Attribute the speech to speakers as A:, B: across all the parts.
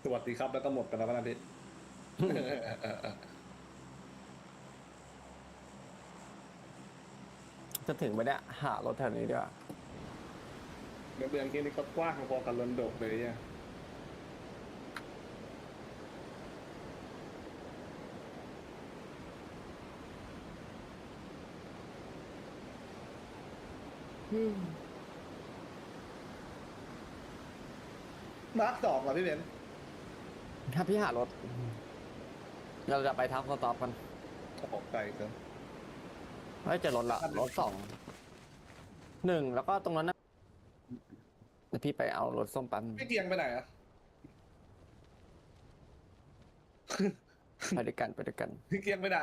A: สวัสดีครับแล้วก็หมดไปแล้วนะพี่
B: จะถึงไปเนี่ยหารถแถวนี้ดีกว่า
A: เดือนที่นี่ก็กว้างพอกับลอนดกเลยเนี่ยมาร์คสองเหรอพี่เบนซ์
B: ถ้าพี่หารถเราจะไปทับสต็อปกัน
A: ออกไกลเกิน
B: ไม่เจอรถละรถสองหนึ่งแล้วก็ตรงนั้นนะเดี๋ยวพี่ไปเอารถส้มปัน
A: พี่เกียงไปไหนอะ
B: ไปด้วยกันไปด้วยกัน
A: พี่เกียงไปไหน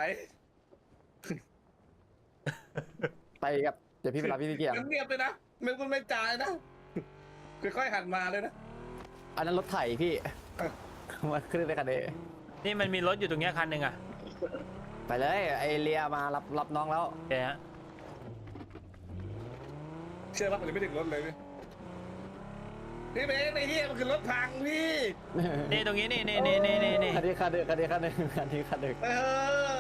B: ไปกับเดี๋ยวพี่ไปรับพี่ที่เกียง
A: เงียบๆเลยนะไม่จ่ายนะค่อยๆหันมาเลยนะ
B: อันนั้นรถไถพี่มาขึ้นได้กันเด
C: นี่มันมีรถอยู่ตรงเนี้ยคันหนึ่งอ่ะ
B: ไปเลยไอเลียมารับน้องแล้ว
C: โอเคฮะ
A: เชื่อว่าผมจะไม่ถึงรถเลยพี่เบนซ์ไอ้เหี้ยมันคือรถพังพี่
C: นี่ตรงนี้นี่
B: คันนี้คันหนึ่งคันนี้คันหนึ่งคันนี้คันหนึ่ง
A: เออ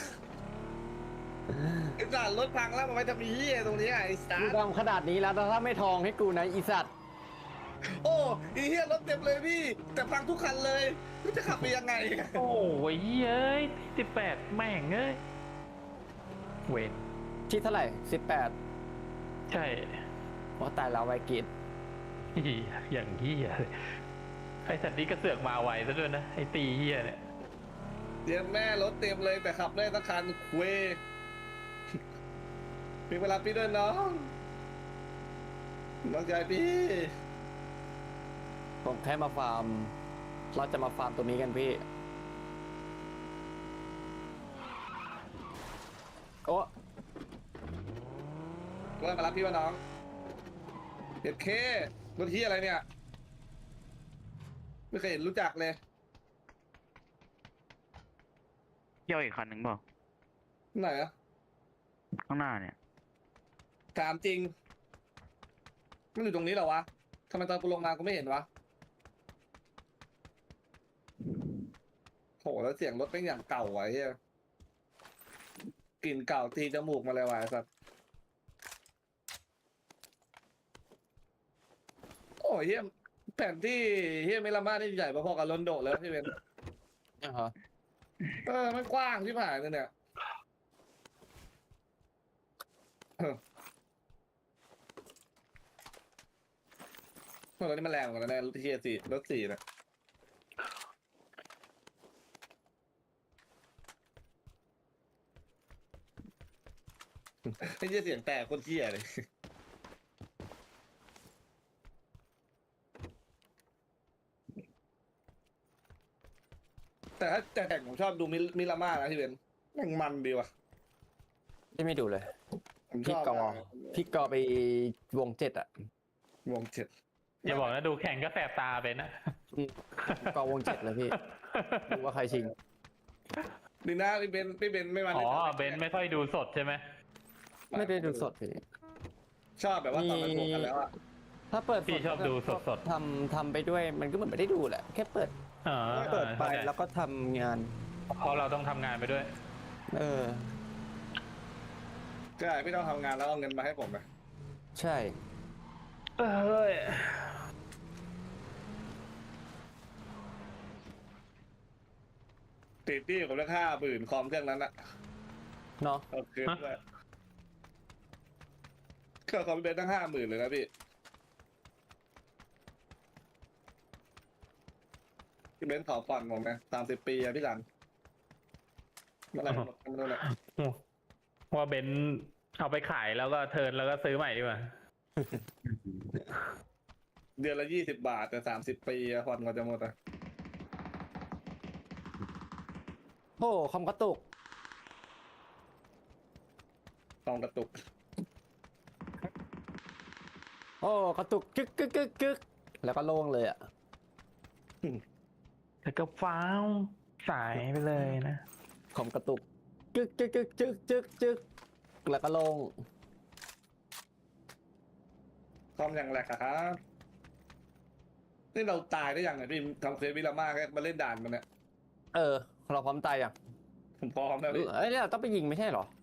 A: ไอ้สัตว์รถพังแล้วมันไปทำเหี้ยตรงนี้ไอ้สั
B: กู
A: ตว์
B: ทำขนาดนี้แล้วถ้าไม่ทองให้กูนะอีสัตว์
A: โอ้ไอ้เหี้ยรถเต็มเลยพี่ แต่พังทุกคันเลยพี่จะขับไปยังไง
D: โอ้ยเอ้ย18แม่งเอ้ยเวท
B: ที่เท่าไหร่18
D: ใช่
B: ว่าตายแล้วไวกิด
D: เหี้ยอย่างเฮียเลยไอสัตว์นี้ก็เสือกมาไวซะด้วยนะไอตีเฮียเนี่ย
A: เดี๋ยวแม่รถเต็มเลยแต่ขับได้สักคันเว้ยมีเวลาพี่ด้วยน้องน้องใจพี่
B: ผมแค่มาฟาร์มเราจะมาฟาร์มตัวนี้กันพี่โอ้
A: ก็มารับพี่ว่าน้องเด็ดเครถที่อะไรเนี่ยไม่เคยเห็นรู้จักเลย
E: เที่ยวอีกคันหนึ่งเปล่า
A: ไหนอะ
E: ข้างหน้าเนี่ย
A: ถามจริงมันอยู่ตรงนี้เหรอวะทำไมตอนกูลงมากูไม่เห็นวะโหแล้วเสียงรถเป็นอย่างเก่าไว้เฮียกลิ่นเก่าตีจมูกมาเลยวะไอ้สัสโอ้ยเฮียแผนที่เฮียเมลามานี่ใหญ่พอๆกับลอนโดแล้วพี่เบน
B: เนี่ยเหรอ
A: มันกว้างที่ผ่านเลยเนี่ยรถนี้มันแรงกว่าแล้วแน่รถที่สี่รถสี่นะไม่ใช่เสียงแตกคนเที่ยเลยแต่ถ้าแต่ผมชอบดูมิลาม่านะพี่เบนแม่งมันดีว่ะ
B: ที่ไม่ดูเลย
A: ผมช
B: พี่
A: อบ
B: กอ
A: มาก
B: พี่กอไปวง7อ่ะ
A: วงเจ็ด
D: อย่าบอกนะดูแข่งก็แสบตาไปนะ
B: กอวง7เลยพี่ดูว่าใครชิง
A: ดีนะพี่เบนไม่มา
D: อ๋อ
A: ใน
D: เบนซ์ไม่ค่อยดูสดใช่ไหม
B: ไม่ได้ดูสดพี่
A: ชอบแบบว่าตอนมันบวกกันแล้วอะ
B: ถ้าเปิด
D: พี่ชอบดูสด
B: ทำไปด้วยมันก็เหมือนไม่ได้ดูแหละแค่เปิด
D: ๆอ๋อ
B: เปิดไป
D: เข้าใจ
B: แล้วก็ทำงาน
D: เพราะเราต้องทำงานไปด้วย
B: เออ
A: ใช่พี่ต้องทำงานแล้วเอาเงินมาให้ผมนะ
B: ใช่
D: เอ้ย
A: ติดที่ผมเลือก50,000คอมเครื่องนั้นอะ
B: เนาะ
A: โอเคด้วยเครื่องคอมพี่เบนตั้ง50,000เลยนะพี่เบนขอผ่อนผมนะ30 ปีอะพี่สันเมื่อไหร่หมดไม่รู้แหละ
D: ว่าเบนซ์เอาไปขายแล้วก็เทิร์นแล้วก็ซื้อใหม่ดีกว่า
A: เดือนละ20 บาทแต่30 ปีอะผ่อนก็จะหมดอะ
B: โอ้คอมกระตุก
A: ต้องกระตุก
B: โอ้กระตุกกึกกึกกึกกึกแล้วก็โล่งเลยอ่ะ
D: แล้วก็ฟ้าวสายไปเลยนะ
B: คอมกระตุกกึกกึกกึกจึกจึกจึกแล้วก็โล่ง
A: คอมอย่างแรกอะครับนี่เราตายได้ยังไงพี่ทำเควสวิลาม่าแค่มาเล่นด่านมันเนี่ย
B: เราพร้อมตายยัง
A: ผมพร้อมแล้วพี่
B: เอ้ยเราต้องไปยิงไม่ใช่เหรอ